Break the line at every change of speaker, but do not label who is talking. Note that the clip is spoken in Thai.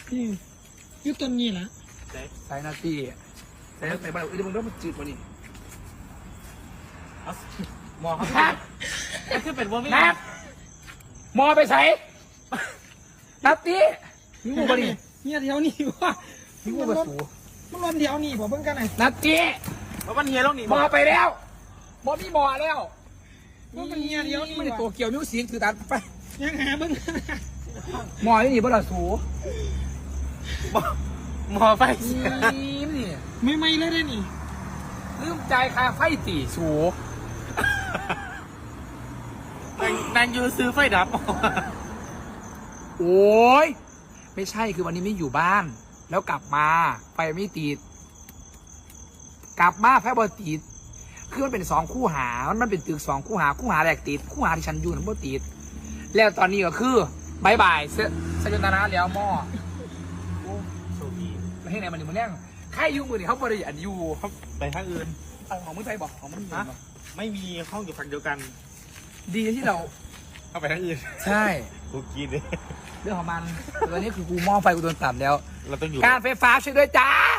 ยุต้นนี้แหละ
สายนาทีแต่บ้านอื่นมึงต้องมาจืดกว่านี้
มองเขามันคือเป็นว่าไม่
นับมอไปใส่นับตีมีงูปะนี่
เนี่ยเดี๋ยวนี้ว่า
มีงูปะสู
มันรวมเดี๋ยวนี้ผมเพิ่งกันไหน
นับตี
เพราะมันเฮียลงนี่
มอไปแล้วมอมีมอแล้ว
ว่ามันเนี่ยเดี๋ยวนี้
ไม่ได้ตัวเกี่ยวมิวสิงถือตัดไป
ยังหาเบิ่ง
มอนี่บ่ล่ะสู
มอไฟ
นี่
ไม่เลยได้นี่
ลืมใจคาไฟตีสู
นางยูซื้อไฟดับ
โอ้ยไม่ใช่คือวันนี้ไม่อยู่บ้าน แล้วกลับมาไฟไม่ติดกลับมาไฟบอติดคือมันเป็นสองคู่หามันเป็นตึกสองคู่หาคู่หาแรกติดคู่หาที่ฉันอยู่นั้นบ่ติดแล้วตอนนี้ก็คือบายบายเซยนตานะแล้วหม้อ
โชคดี
แล้วให้ไหนมันอยู่มันแน่งใครอยู่มือนี่เขาบริอันอยู่
เขาไปทางอื่น
เอาของมึงไปบอกของมึง
ฮะไม่มีห้องอยู่ฝั่งเดียวกัน
ดีที่เรา
เอาไปทางอื่น
ใช่
กูกินเลย
เรื่องของมันตอนนี้คือกูหม้อไฟกูโดนตัดแล้ว
เราต้องอยู่
การไฟฟ้าช่วยด้วยจ้า